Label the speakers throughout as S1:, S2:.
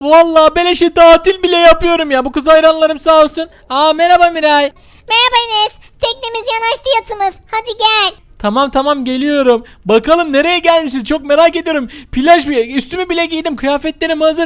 S1: Vallahi beleşe tatil bile yapıyorum ya. Bu kız hayranlarım sağ olsun. Merhaba Miray.
S2: Merhaba Enes. Teknemiz yanaştı yatımız. Hadi gel.
S1: Tamam geliyorum. Bakalım nereye gelmişiz çok merak ediyorum. Plaj üstümü bile giydim. Kıyafetlerim hazır.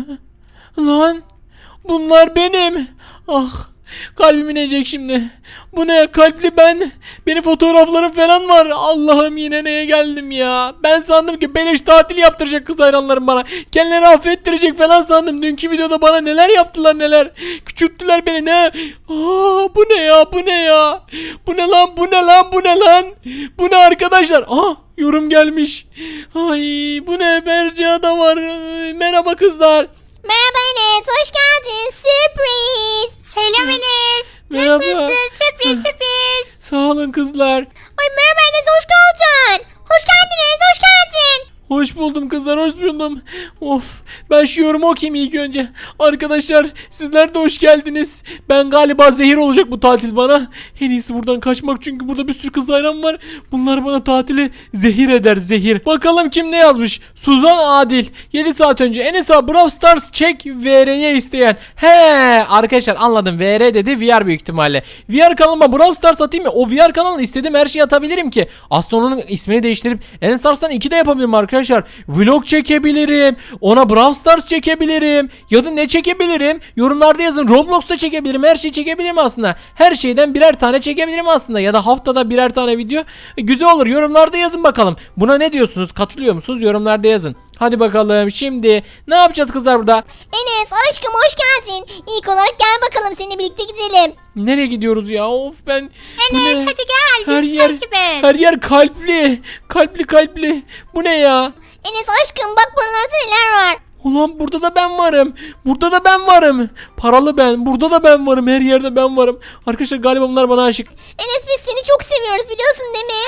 S1: Lan bunlar benim. Ah kalbim inecek şimdi. Bu ne kalpli ben. Benim fotoğraflarım falan var. Allah'ım yine neye geldim ya. Ben sandım ki beleş tatil yaptıracak kız hayranlarım bana. Kendilerini affettirecek falan sandım. Dünkü videoda bana neler yaptılar neler. Küçülttüler beni ne. Bu ne ya bu ne ya. Bu ne lan bu ne lan bu ne lan. Bu ne arkadaşlar. Yorum gelmiş. Ay bu ne Berca da var. Merhaba kızlar.
S2: Merhaba Enes. Hoş geldin. Sürpriz.
S3: Selam Enes.
S1: Merhaba.
S3: Nasılsın? Sürpriz.
S1: Sağ olun kızlar.
S2: Ay merhaba Enes. Hoş geldin. Hoş geldin Enes. Hoş geldin.
S1: Hoş buldum kızlar hoş buldum. Of ben şu yorumu okuyayım ilk önce. Arkadaşlar sizler de hoş geldiniz. Ben galiba zehir olacak bu tatil bana. En iyisi buradan kaçmak çünkü burada bir sürü kız hayran var. Bunlar bana tatili zehir eder zehir. Bakalım kim ne yazmış. Suzan Adil 7 saat önce Enes abi Brawl Stars çek VR'ye isteyen. Arkadaşlar anladım VR dedi VR büyük ihtimalle. VR kanalıma Brawl Stars atayım mı? O VR kanalına istediğim her şeyi atabilirim ki. Aslında onun ismini değiştirip Enes Arslan 2 de yapabilirim arkadaşlar. Vlog çekebilirim. Ona Brawl Stars çekebilirim. Ya da ne çekebilirim? Yorumlarda yazın. Roblox'ta çekebilirim. Her şeyi çekebilirim aslında. Her şeyden birer tane çekebilirim aslında. Ya da haftada birer tane video. Güzel olur. Yorumlarda yazın bakalım. Buna ne diyorsunuz? Katılıyor musunuz? Yorumlarda yazın. Hadi bakalım şimdi ne yapacağız kızlar burada?
S2: Enes aşkım hoş geldin. İlk olarak gel bakalım seninle birlikte gidelim.
S1: Nereye gidiyoruz ya? Of ben. Bu
S3: Enes
S1: ne?
S3: hadi gel.
S1: Her
S3: Bizi
S1: yer
S3: takip et.
S1: her yer kalpli. Kalpli. Bu ne ya?
S2: Enes aşkım bak buralarda neler var.
S1: Ulan burada da ben varım. Burada da ben varım. Paralı ben. Burada da ben varım. Her yerde ben varım. Arkadaşlar galiba bunlar bana aşık.
S2: Enes biz seni çok seviyoruz biliyorsun değil mi?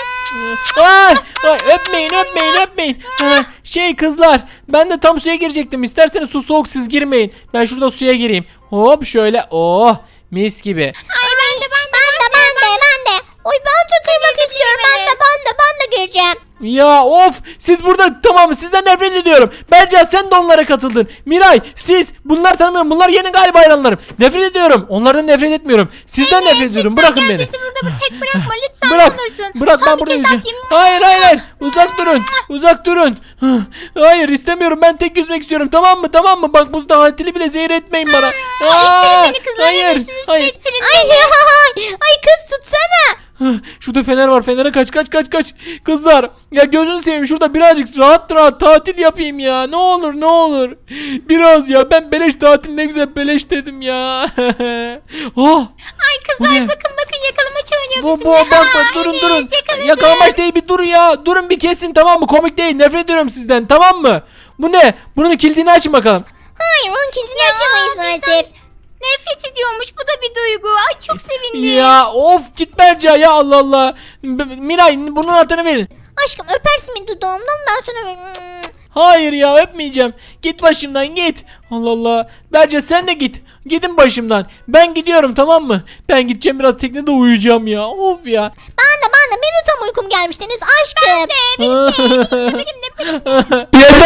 S1: Ay, öpmeyin. Kızlar ben de tam suya girecektim. İsterseniz su soğuk siz girmeyin. Ben şurada suya gireyim. Hop şöyle. Oh mis gibi.
S2: Ay ben de. Oy ben de kırmak istiyorum. Ben de gireceğim.
S1: Ya of siz burada tamam sizden nefret ediyorum. Berca sen de onlara katıldın. Miray siz bunlar tanımıyorum. Bunlar yeni galiba hayranlarım. Nefret ediyorum. Onlardan nefret etmiyorum. Sizden nefret ediyorum. Bırakın beni.
S3: Bizi burada tek bırakma lütfen.
S1: Bırak.
S3: Olursun.
S1: Bırak ben
S3: Son
S1: burada
S3: bir kez
S1: yüzeceğim.
S3: öpeyim.
S1: Hayır. Uzak durun. Hayır istemiyorum. Ben tek yüzmek istiyorum. Tamam mı? Bak bu tatili bile zehir etmeyin bana.
S3: İttirin beni kızlar. Enes'in üstüne ittirin beni.
S2: Ay kız tutsana.
S1: Şurada fener var. Fenere kaç. Kızlar ya gözünü seveyim şurada birazcık rahat tatil yapayım ya. Ne olur. Biraz ya ben beleş tatil ne güzel beleş dedim ya.
S3: Ay
S1: Bu
S3: kızlar
S1: ne?
S3: bakın yakalamaç oynuyor
S1: Bu
S3: bizimle.
S1: bak
S3: Ha,
S1: durun.
S3: Enes, yakaladı.
S1: Yakalamaç değil bir dur ya. Durun bir kesin tamam mı? Komik değil. Nefret ediyorum sizden tamam mı? Bu ne? Bunun kilidini açın bakalım.
S2: Hayır onun kilidini açamayız maalesef.
S3: Nefret ediyormuş bu da bir duygu. Ay çok sevindim.
S1: Ya of git Berca ya Allah. Miray bunun anahtarını verin.
S2: Aşkım öpersin beni dudağımdan ben sana böyle.
S1: Hayır ya öpmeyeceğim. Git başımdan git. Allah. Berca sen de git. Gidin başımdan. Ben gidiyorum tamam mı? Ben gideceğim biraz teknede uyuyacağım ya. Of ya.
S2: Ben de benim de tam uykum gelmiş Deniz aşkım.
S3: Benim de.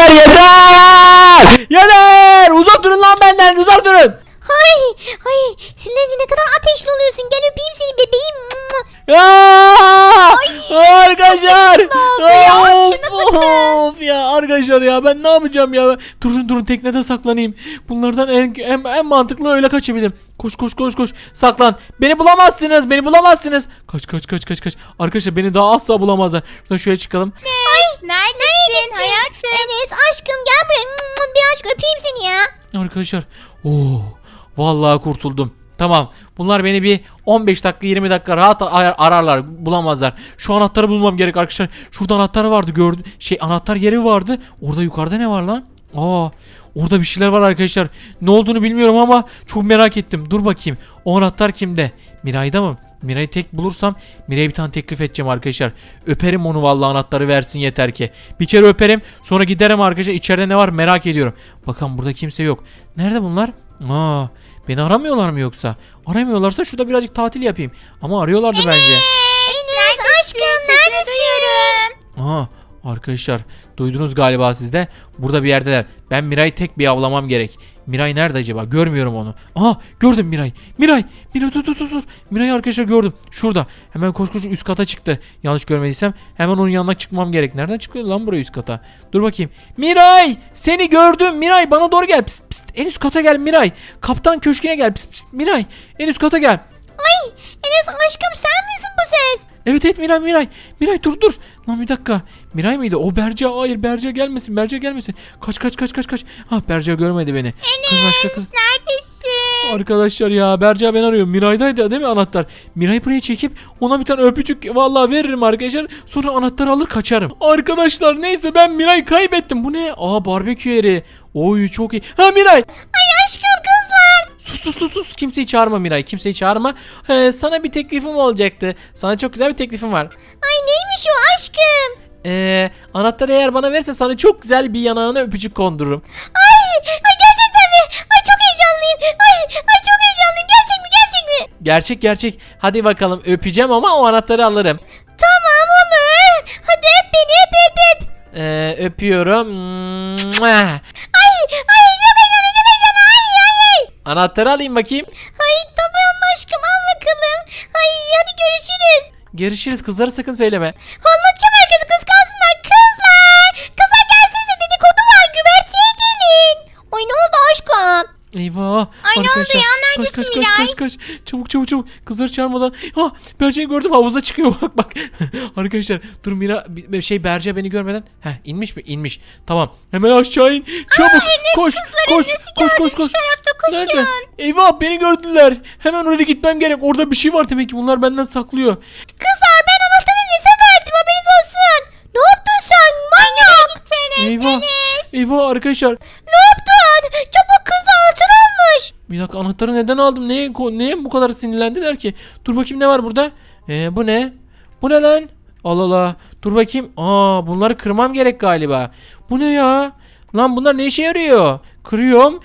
S1: Yeter. Uzak durun lan benden uzak durun.
S2: Ay sinirlenince ne kadar ateşli oluyorsun gel öpeyim seni bebeğim.
S1: Arkadaşlar.
S3: ya,
S1: Of ya arkadaşlar ya ben ne yapacağım ya? Durun teknede saklanayım. Bunlardan en mantıklı öyle kaçabilirim. Koş. Saklan. Beni bulamazsınız. Kaç. Arkadaşlar beni daha asla bulamazlar. Şuradan şöyle çıkalım.
S3: Neredesin hayatım?
S2: Enes aşkım gel buraya birazcık öpeyim seni ya.
S1: Arkadaşlar. Vallahi kurtuldum. Tamam. Bunlar beni bir 15 dakika 20 dakika rahat ararlar. Bulamazlar. Şu anahtarı bulmam gerek arkadaşlar. Şurada anahtar vardı gördüm. Anahtar yeri vardı. Orada yukarıda ne var lan? Orada bir şeyler var arkadaşlar. Ne olduğunu bilmiyorum ama çok merak ettim. Dur bakayım. O anahtar kimde? Miray'da mı? Miray'ı tek bulursam Miray'a bir tane teklif edeceğim arkadaşlar. Öperim onu vallahi anahtarı versin yeter ki. Bir kere öperim sonra giderim arkadaşlar. İçeride ne var merak ediyorum. Bakın burada kimse yok. Nerede bunlar? Beni aramıyorlar mı yoksa? Aramıyorlarsa şurada birazcık tatil yapayım. Ama arıyorlardı bence.
S2: Enes aşkım neredesin?
S1: Arkadaşlar duydunuz galiba siz de. Burada bir yerdeler. Ben Miray'ı tek bir avlamam gerek. Miray nerede acaba? Görmüyorum onu. Aha gördüm Miray. Miray dur. Miray'ı arkadaşlar gördüm. Şurada. Hemen koş üst kata çıktı. Yanlış görmediysem hemen onun yanına çıkmam gerek. Nereden çıkıyor lan buraya üst kata? Dur bakayım. Miray seni gördüm. Miray bana doğru gel. Pist, pist. En üst kata gel Miray. Kaptan köşküne gel. Pist, pist. Miray en üst kata gel.
S2: Ay Enes aşkım sen misin bu ses?
S1: Evet Miray. Miray dur. Lan bir dakika. Miray mıydı? O Berca. Hayır Berca gelmesin. Kaç. Ah Berca görmedi beni. Kız başka kız.
S3: Neredesin?
S1: Arkadaşlar ya Berca beni arıyor. Miray'daydı değil mi anahtar? Miray'ı buraya çekip ona bir tane öpücük vallahi veririm arkadaşlar. Sonra anahtarı alır kaçarım. Arkadaşlar neyse ben Miray'ı kaybettim. Bu ne? Aa barbekü yeri. Oy çok iyi. Ha Miray.
S2: Ay aşkım kızlar.
S1: Sus. Kimseyi çağırma Miray. Kimseyi çağırma. Sana bir teklifim olacaktı. Sana çok güzel bir teklifim var.
S2: Ay neymiş o aşkım?
S1: Anahtarı eğer bana verirse sana çok güzel bir yanağına öpücük kondururum.
S2: Ay gerçekten mi? Ay çok heyecanlıyım. Ay çok heyecanlıyım. Gerçek mi?
S1: Gerçek. Hadi bakalım öpeceğim ama o anahtarı alırım.
S2: Tamam olur. Hadi öp beni öp.
S1: Öpüyorum.
S2: Ay çok heyecanlı. Ay.
S1: Anahtarı alayım bakayım.
S2: Ay tamam aşkım al bakalım. Ay hadi görüşürüz.
S1: Görüşürüz kızlara sakın söyleme.
S2: Anlatacağım herkese kız kalsınlar. Kızlar gelsinize dedikodu var. Güverteye gelin. Ay ne oldu aşkım?
S1: Eyvah.
S3: Ay, ne oldu
S1: arkadaşlar.
S3: ya? Neredesin Miray?
S1: Kaç. Çabuk. Kızları çağırmadan. Ha Berca'yı gördüm havuza çıkıyor bak. Arkadaşlar dur Mira Berca beni görmeden. İnmiş mi? İnmiş. Tamam. Hemen aşağı in. Çabuk. Koş.
S3: Şu tarafta koşun.
S1: Nerede? Eyvah beni gördüler. Hemen oraya gitmem gerek. Orada bir şey var demek ki bunlar benden saklıyor.
S2: Kızlar ben anahtarı Enes'e verdim haberiniz olsun. Ne yaptın sen manyak?
S1: Eyvah arkadaşlar.
S2: Ne yaptın? Çabuk kızlar anahtar almış.
S1: Bir dakika anahtarı neden aldım? Neye bu kadar sinirlendiler ki? Dur bakayım ne var burada? Bu ne? Bu ne lan? Allah. Dur bakayım. Bunları kırmam gerek galiba. Bu ne ya? Lan bunlar ne işe yarıyor? Kırıyorum.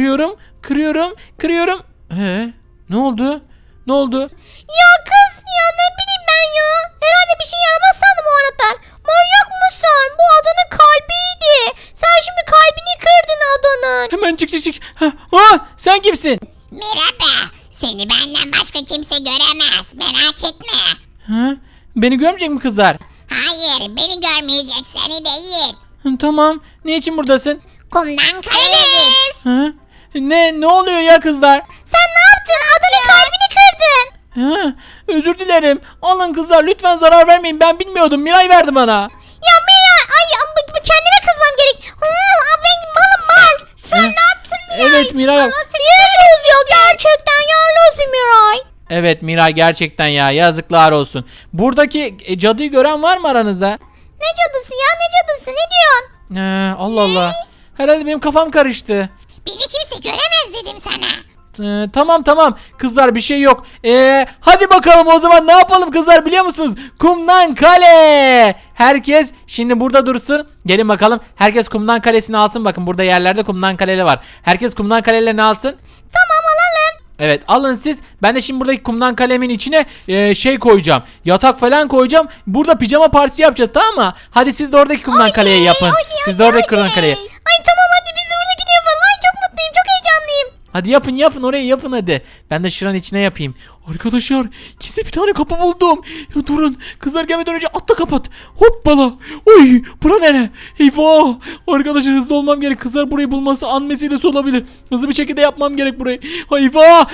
S1: Ne oldu?
S2: Ya kız ya ne bileyim ben ya. Herhalde bir şey yaramaz sandım o anahtar. Manyak mısın? Bu adanın kalbiydi. Sen şimdi kalbini kırdın adanın.
S1: Hemen çık. Sen kimsin?
S2: Merhaba. Seni benden başka kimse göremez. Merak etme.
S1: Beni görmeyecek mi kızlar?
S2: Hayır beni görmeyecek seni değil.
S1: Tamam. Ne için buradasın?
S2: Kumdan kaleye git.
S1: Ne oluyor ya kızlar?
S2: Sen ne yaptın? Adanın kalbini kırdın.
S1: Özür dilerim. Alın kızlar lütfen zarar vermeyin. Ben bilmiyordum. Miray verdi bana.
S2: Ya Miray kendime kızmam gerek. Ben malım.
S3: Sen ne yaptın Miray?
S1: Evet Miray.
S2: Yerloz ya gerçekten yerloz bir Miray.
S1: Evet Miray gerçekten ya yazıklar olsun. Buradaki cadıyı gören var mı aranızda?
S2: Ne cadısı ya ne cadısı ne diyorsun?
S1: Allah. Herhalde benim kafam karıştı.
S2: Beni kimse göremez dedim sana.
S1: Tamam kızlar bir şey yok. Hadi bakalım o zaman ne yapalım kızlar biliyor musunuz? Kumdan kale. Herkes şimdi burada dursun. Gelin bakalım. Herkes kumdan kalesini alsın. Bakın burada yerlerde kumdan kaleleri var. Herkes kumdan kalelerini alsın.
S2: Tamam alalım.
S1: Evet alın siz. Ben de şimdi buradaki kumdan kalemin içine şey koyacağım. Yatak falan koyacağım. Burada pijama partisi yapacağız tamam mı? Hadi siz de oradaki kumdan kaleyi yapın. Siz de oradaki kumdan kaleyi.
S2: Ay tamam hadi biz de buradakini yapalım. Ay çok mutluyum çok heyecanlıyım.
S1: Hadi yapın orayı yapın hadi. Ben de şuranın içine yapayım. Arkadaşlar gizli bir tane kapı buldum. Ya, durun kızlar gelmeden önce atla kapat. Hoppala. Oy bura nere? Eyvah. Arkadaşlar hızlı olmam gerek. Kızlar burayı bulması an meselesi olabilir. Hızlı bir şekilde yapmam gerek burayı. Eyvah.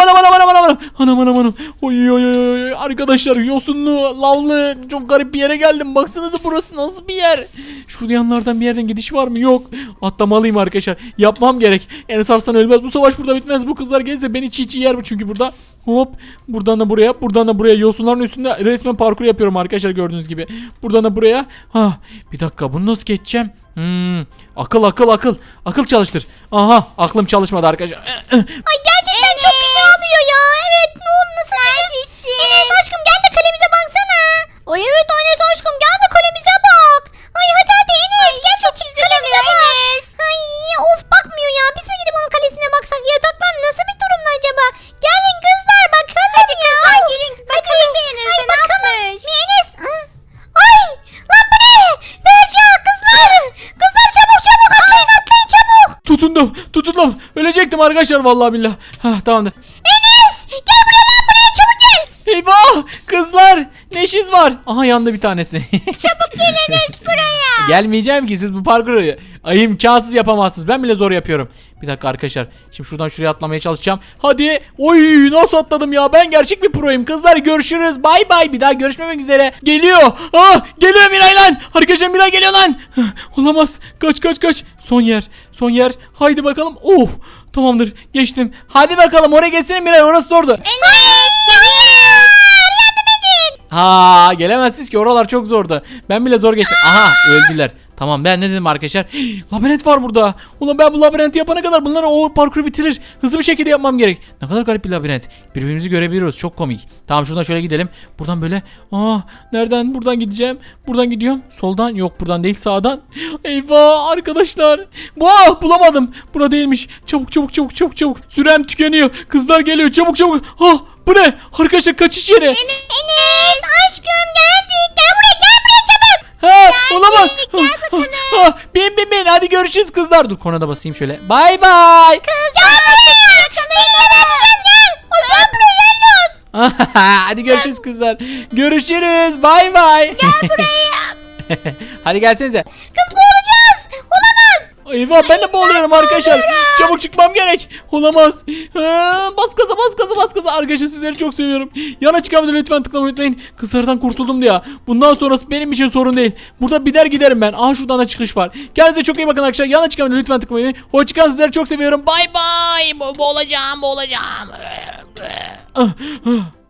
S1: Anam. Oy. Arkadaşlar yosunlu lavlı çok garip bir yere geldim. Baksanıza burası nasıl bir yer. Şurada yanlardan bir yerden gidiş var mı? Yok. Atlamalıyım arkadaşlar. Yapmam gerek. Enes Arslan ölmez. Bu savaş burada bitmez. Bu kızlar gelirse beni çiğ yer mi çünkü burada. Hop buradan da buraya yosunların üstünde resmen parkur yapıyorum arkadaşlar gördüğünüz gibi. Buradan da buraya. Bir dakika bunu nasıl geçeceğim? Akıl çalıştır. Aha aklım çalışmadı arkadaşlar.
S2: Ay gerçekten çok güzel oluyor ya. Evet ne oldu nasıl güzel. Enes aşkım gel de kalemize baksana. Ay evet Enes aşkım gel de kalemize bak. Ay hadi Enes gel de çık kalemize bak. Ay of bakmıyor ya. Biz mi gidip onun kalesine baksak yataklar nasıl bir durumda acaba? Gelin kızlar bakalım ya.
S3: Gelin bakalım Enes'e ne yapmış?
S2: Enes. Ay lan bu ne?
S1: Ölecektim arkadaşlar vallahi billah. Hah tamamdır.
S2: Enes gel buraya lan buraya çabuk gel.
S1: Eyvah kızlar ne işiniz var? Aha yandı bir tanesi.
S3: Çabuk geliniz buraya.
S1: Gelmeyeceğim ki siz bu parkuru imkansız yapamazsınız. Ben bile zor yapıyorum. Bir dakika arkadaşlar. Şimdi şuradan şuraya atlamaya çalışacağım. Hadi. Oy nasıl atladım ya. Ben gerçek bir proyum. Kızlar görüşürüz. Bay bay. Bir daha görüşmemek üzere. Geliyor. Ah geliyor Miray lan. Arkadaşlar Miray geliyor lan. Olamaz. Kaç kaç kaç. Son yer. Son yer. Haydi bakalım. Oh. Tamamdır. Geçtim. Hadi bakalım oraya geçsene Miray. Orası zordu.
S3: Enes geliyor.
S1: Ha gelemezsiniz ki oralar çok zordu. Ben bile zor geçtim. Aha öldüler. Tamam ben ne dedim arkadaşlar? Labirent var burada. Ulan ben bu labirenti yapana kadar bunları o parkuru bitirir. Hızlı bir şekilde yapmam gerek. Ne kadar garip bir labirent. Birbirimizi görebiliyoruz. Çok komik. Tamam şuradan şöyle gidelim. Buradan böyle. Nereden? Buradan gideceğim. Buradan gidiyorum. Soldan. Yok buradan değil sağdan. Eyvah arkadaşlar. Bulamadım. Bura değilmiş. Çabuk çabuk çabuk çabuk çabuk. Sürem tükeniyor. Kızlar geliyor. Çabuk çabuk. Bu ne? Arkadaşlar kaçış yeri.
S2: Enes aşkım geldik. Gel buraya çabuk.
S1: Olamaz. Bin. Hadi görüşürüz kızlar. Dur kornada basayım şöyle. Bay bay.
S2: Gel buraya. Seninle ne yapacağız gel. Gel buraya gel.
S1: Hadi görüşürüz kızlar. Görüşürüz. Bay bay. Gel buraya. Hadi gelsenize.
S2: Kız boğulacağız. Olamaz.
S1: Eyvah ben de boğuluyorum arkadaşlar. Çabuk çıkmam gerek. Olamaz. Bas gaza. Arkadaşlar sizleri çok seviyorum. Yana çıkan videoyu lütfen tıklamayı unutmayın. Kızlardan kurtuldum diye. Bundan sonrası benim için sorun değil. Burada biner giderim ben. Şuradan da çıkış var. Kendinize çok iyi bakın arkadaşlar. Yana çıkan videoyu lütfen tıklamayı unutmayın. Hoşçakalın sizleri çok seviyorum. Bay bay. Boğulacağım.